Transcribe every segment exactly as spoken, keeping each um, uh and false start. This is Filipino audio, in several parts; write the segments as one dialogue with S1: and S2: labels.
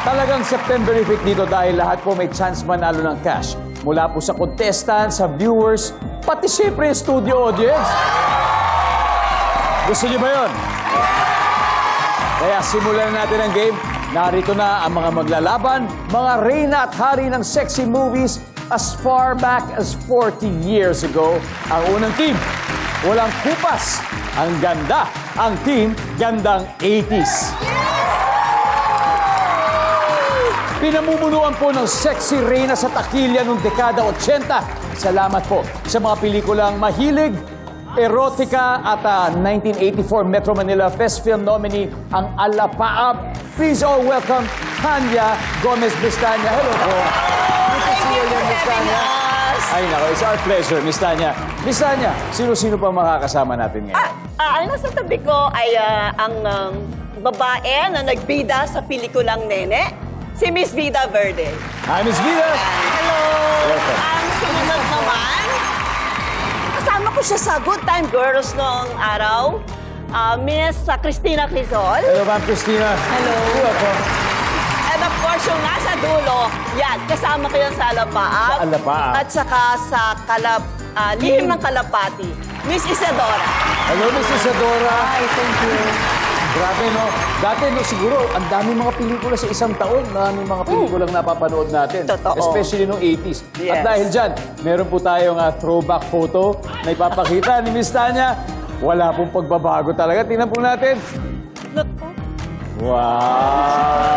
S1: Talagang September effect dito dahil lahat po may chance manalo ng cash. Mula po sa contestants, sa viewers, pati siyempre yung studio audience. Gusto niyo ba yun? Kaya simulan na natin ang game. Narito na ang mga maglalaban, mga reyna at hari ng sexy movies as far back as forty years ago. Ang unang team, walang kupas. Ang ganda, ang team, gandang eighties. Pinamumunuan po ng sexy reyna sa takilya noong dekada eighty. Salamat po sa mga pelikulang mahilig, erotika at uh, nineteen eighty-four Metro Manila Fest Film nominee ang Alapaap. Please all welcome Tanya Gomez Bistanya. Hello po. Good to see you again, Miss Tanya. Ay nako, it's our pleasure, Miss Tanya. Miss Tanya, sino-sino pa makakasama natin ngayon?
S2: Ah, ah, ang nasa tabi ko ay ah, ang um, babae na nagbida sa pelikulang Nene, si Miss Vida Verde.
S1: Hi, Miss Vida.
S2: Hello!
S1: Welcome.
S2: Ang sumunod naman, kasama ko siya sa Good Time Girls noong araw, ah, Miss ah, Cristina Quezon.
S1: Hello, Ma'am Christina.
S2: Hello.
S1: Welcome.
S2: And of course, yung nasa dulo, yan, kasama ko yan sa Alapaap.
S1: Sa Alapaap.
S2: At saka sa Kalap, ah, Lihim ng Kalapati, Miss Isadora.
S1: Hello, Miss Isadora.
S2: Hi, thank you.
S1: Grabe, no? Dati, no, siguro, ang dami mga pelikula sa isang taon na ano yung mga pelikulang napapanood natin.
S2: Totoo.
S1: Especially noong eighties.
S2: Yes.
S1: At dahil dyan, meron po tayong uh, throwback photo na ipapakita ni Miss Tanya. Wala pong pagbabago talaga. Tingnan po natin. Wow!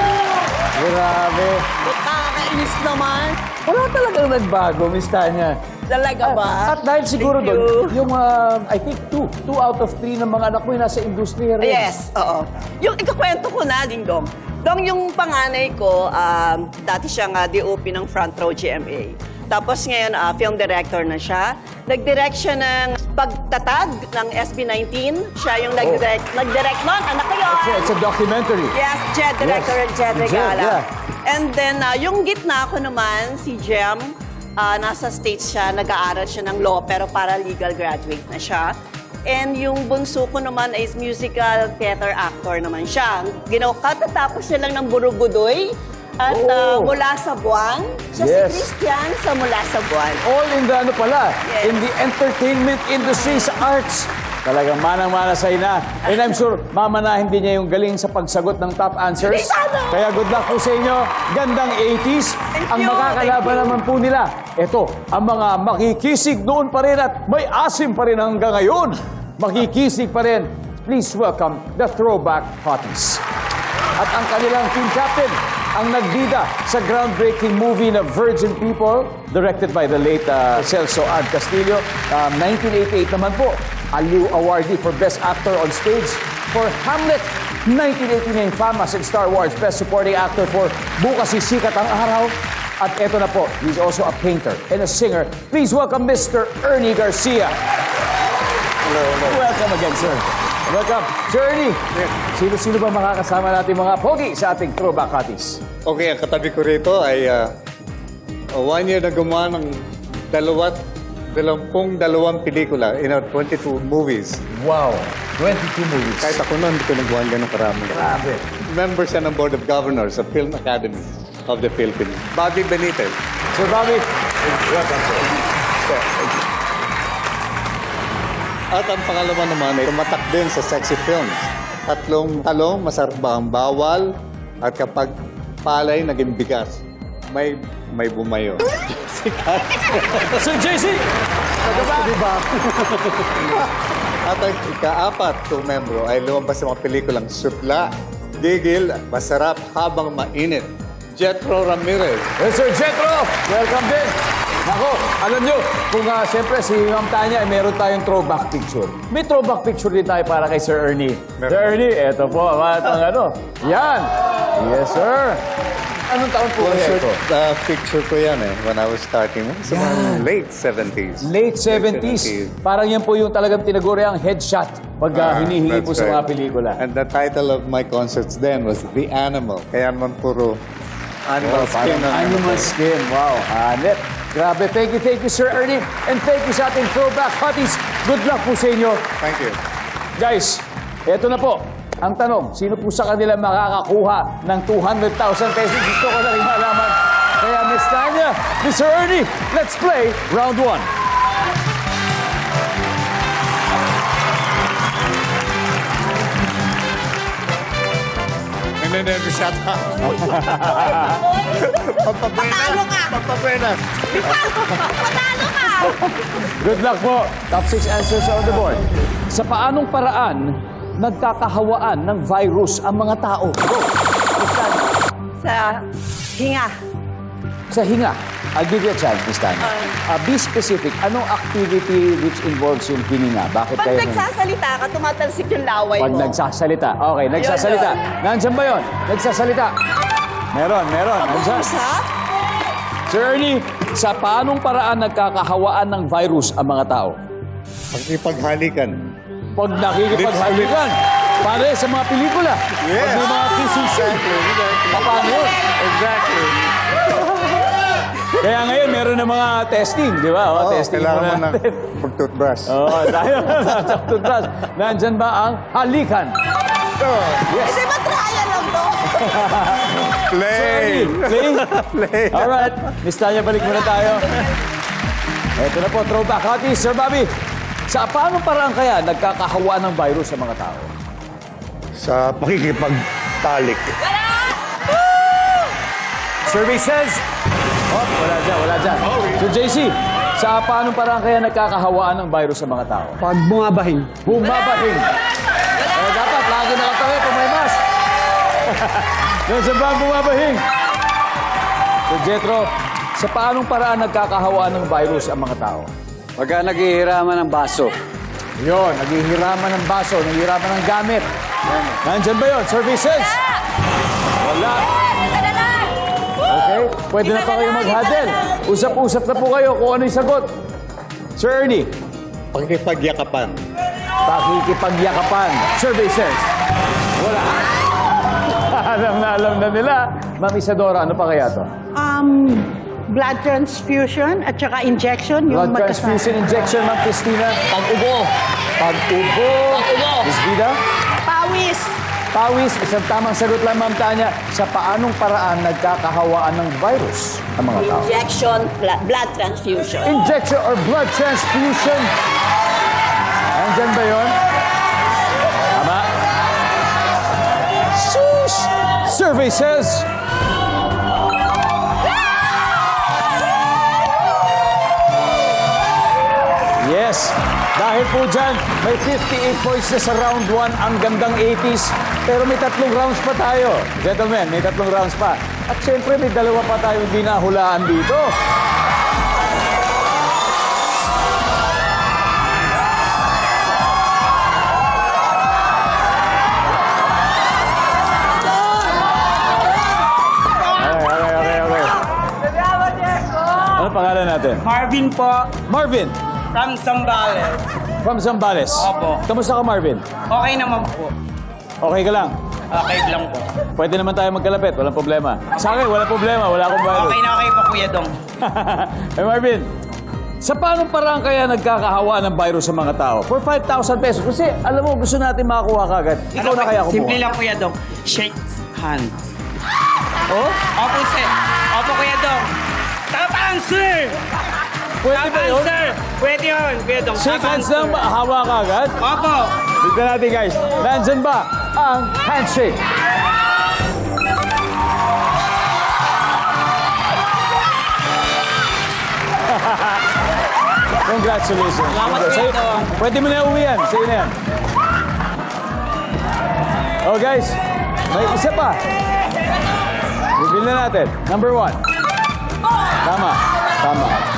S1: Grabe.
S2: Nakakainis naman.
S1: Wala talagang nagbago, Miss Tanya.
S2: Talaga ba?
S1: At, at dahil siguro
S2: Thank
S1: doon,
S2: you.
S1: yung, uh, I think, two, two out of three ng mga anak mo yung nasa industriya rin.
S2: Yes, oo. Yung ikakwento ko na, Ding Dong. Dong, yung panganay ko, um, dati siya nga D O P ng Front Row G M A. Tapos ngayon, ah, film director na siya. Nag-direct siya ng pagtatag ng S B nineteen. Siya yung nag-direct, nag-direct nun. Anak ko yun.
S1: It's a, it's a documentary.
S2: Yes, Jed, director
S1: Yes.
S2: and Jed
S1: Jed,
S2: Regala.
S1: yeah.
S2: And then, ah, yung gitna ko naman, si Jem, ah, nasa States siya, nag-aaral siya ng law, pero paralegal graduate na siya. And yung bunso ko naman is musical theater actor naman siya. Ginawa, katatapos siya lang ng Burugudoy at ah,
S1: Oh.
S2: Mula sa Buwan. Siya
S1: Yes.
S2: si Christian sa Mula sa Buwan.
S1: All in the ano pala,
S2: Yes.
S1: in the entertainment industry, sa arts. Talagang manang-mana sa ina. And I'm sure, mamanahin din niya yung galing sa pagsagot ng top answers.
S2: Sana!
S1: Kaya good luck po sa inyo. Gandang eighties.
S2: Thank
S1: Ang
S2: you,
S1: makakalaban
S2: thank you.
S1: naman po nila. Ito, ang mga makikisig noon pa rin at may asim pa rin hanggang ngayon. Makikisig pa rin. Please welcome the Throwback Hotties. At ang kanilang team captain, ang nagbida sa groundbreaking movie na Virgin People, directed by the late uh, Celso Ad Castillo. Um, nineteen eighty-eight naman po, Aliw Awardee for Best Actor on Stage for Hamlet. nineteen eighty-nine, Famas in Star Wars, Best Supporting Actor for Bukas Sisikat ang Araw. At eto na po, he's also a painter and a singer. Please welcome Mister Ernie Garcia.
S3: Hello, hello.
S1: Welcome again, sir. Welcome. Sir Ernie, sino-sino ba makakasama natin mga pogi sa ating Throwback Hotties?
S3: Okay, ang katabi ko rito ay uh, one year na gumawa ng dalawat, dalampung dalawang pelikula in our twenty-two movies.
S1: Wow, twenty-two movies.
S3: Kahit ako noon, hindi ko nagawa ganun karami.
S1: Grabe.
S3: Member siya ng Board of Governors of Film Academy of the Philippines. Bobby Benitez.
S1: Sir Bobby, welcome, sir.
S3: At ang pangalawa naman ay tumatak din sa sexy films. Tatlong talong, masarap ba ang bawal? At kapag palay, naging bigas. May may bumayo. Sikat.
S1: Sir J C!
S3: Diba? At ang ikaapat kong membro ay lumabas sa mga pelikulang Sutla, Gigil, Masarap Habang Mainit. Jetro Ramirez.
S1: Yes, Sir Jetro, welcome din. Nako, alam nyo, kung uh, siyempre si Ma'am Tanya ay meron tayong throwback picture. May throwback picture din tayo para kay Sir Ernie.
S3: Meron.
S1: Sir Ernie, eto po, at ang ano. Yan. Yes, sir. Anong taon po
S3: One
S1: kaya
S3: short
S1: ito?
S3: uh, picture ko yan eh, when I was starting. Sa mga late seventies.
S1: Late seventies. Parang yan po yung talagang tinaguriang headshot pag uh,
S3: Ah,
S1: hinihingi
S3: that's
S1: po sa mga
S3: right.
S1: pelikula.
S3: And the title of my concerts then was The Animal. Kaya naman puro animal
S1: Oh,
S3: skin.
S1: parang
S3: ang-
S1: animal skin. Wow, hanep. Grabe. Thank you, thank you, Sir Ernie. And thank you sa ating Throwback Hotties. Good luck po sa inyo.
S3: Thank you.
S1: Guys, eto na po. Ang tanong, sino po sa kanila makakakuha ng two hundred thousand pesos? Gusto ko na rin malaman. Kaya Miss Tanya, Mister Ernie, let's play round one.
S3: Nanenegos yata.
S2: Patalo ka!
S3: Pampapenas.
S2: Patalo ka!
S1: Good luck po. Top six answers on the board. Sa paanong paraan nagkakahawaan ng virus ang mga tao? Go. Miss Tanya.
S2: Sa hinga.
S1: Sa hinga. I'll give you a chance, Miss Tanya. Uh, be specific. Anong activity which involves yung hininga? Bakit
S2: Pag
S1: kayo...
S2: nagsasalita ka, tumatalsik yung laway
S1: Pag
S2: mo.
S1: nagsasalita. Okay, nagsasalita.
S2: yun.
S1: Nandiyan ba yun? Nagsasalita. Meron, meron. Nandiyan.
S2: Pag-uusap?
S1: Sir Ernie, sa paanong paraan nagkakahawaan ng virus ang mga tao?
S3: Pagkipaghalikan.
S1: Pag nakikipaghalikan. Pare sa mga pelikula.
S3: Yes.
S1: Pag may mga kissing scene. Paano yun?
S3: Exactly.
S1: Kaya ngayon, meron na mga testing, di ba? O,
S3: Oo,
S1: testing
S3: kailangan
S1: muna
S3: mo ng
S1: natin.
S3: pag-toothbrush.
S1: Oo, tayo sa toothbrush. Nandyan ba ang halikan?
S3: Oh,
S1: Yes.
S2: Di ba trial lang to?
S3: play!
S1: Play?
S3: Play!
S1: Alright. Miss Tanya, balik muna tayo. Ito na po, throwback hotties. Sir Bobby, sa paano paraan kaya nagkakahawaan ng virus sa mga tao?
S3: Sa pakikipagtalik.
S1: Survey says... Oh, wala dyan, wala dyan. So, J C, sa paano paraan kaya nagkakahawaan ng virus sa mga tao?
S4: Pag bumabahing.
S1: Bumabahing. Eh, dapat, lagi nakatawi pag may mask. Yung sa ba ang bumabahing? So, Jetro, sa paanong paraan nagkakahawaan ng virus ang mga tao?
S4: Pagka naghihiraman ng baso.
S1: Yun, naghihiraman ng baso, naghihiraman ng gamit. Nandyan ba yun? Services? Wala. Okay, pwede na pa kayo mag-huddle. Usap-usap na po kayo kung ano yung sagot. Sir Ernie,
S3: Pakikipagyakapan.
S1: pakikipagyakapan. Services? Wala. Alam na alam na nila. Ma'am Isadora, ano pa kaya to?
S5: Um, blood transfusion at saka injection.
S1: Blood
S5: yung magkasama.
S1: transfusion injection, Ma'am Christina. Pag-ubo. Pag-ubo. Pag-ubo. Miss Vida?
S2: Pawis.
S1: Pawis, isang tamang sagot lang, Ma'am Tanya. Sa paanong paraan nagkakahawaan ng virus ang mga tao?
S2: Injection, bla- blood transfusion.
S1: Injection or blood transfusion. Nandyan ba yun? Tama. Sus! Survey says... Yes. Dahil po dyan, may fifty-eight points na sa round one, ang gandang eighties. Pero may tatlong rounds pa tayo. Gentlemen, may tatlong rounds pa. At syempre, may dalawa pa tayo hindi nahulaan dito. Okay, okay, okay, okay. Ano pangalan natin?
S6: Marvin po,
S1: Marvin,
S6: from Zambales.
S1: from Zambales.
S6: Opo.
S1: Kamusta ka, Marvin?
S6: Okay naman po.
S1: Okay ka lang?
S6: Okay lang po.
S1: Pwede naman tayo magkalapit, walang problema. Sa akin, walang problema, wala akong virus.
S6: Okay na okay po, Kuya Dong.
S1: Eh, Marvin, sa paanong paraan kaya nagkakahawa ng virus sa mga tao? For five thousand pesos. Kasi, alam mo, gusto natin makakuha kagad. Ikaw na kaya kumuha.
S6: Ano Simple lang, Kuya Dong. Shake hands.
S1: Oh?
S6: Opo, sir. Opo, Kuya Dong. Tapang, sir!
S1: Pwede ba
S6: Tapang,
S1: yun?
S6: sir! Pwede yun, Kuya Dong.
S1: Shake
S6: Tapang,
S1: hands lang,
S6: sir.
S1: hawa kagad.
S6: Opo.
S1: Tignan natin, guys. Nandyan ba ang handshake? Congratulations.
S6: Salamat,
S1: Sa'yo-
S6: Kuya Dong.
S1: Pwede mo na uwi yan. Sa'yo na yan. Oh, guys. May isa pa. Bibili na natin. Number one. Tama. Tama.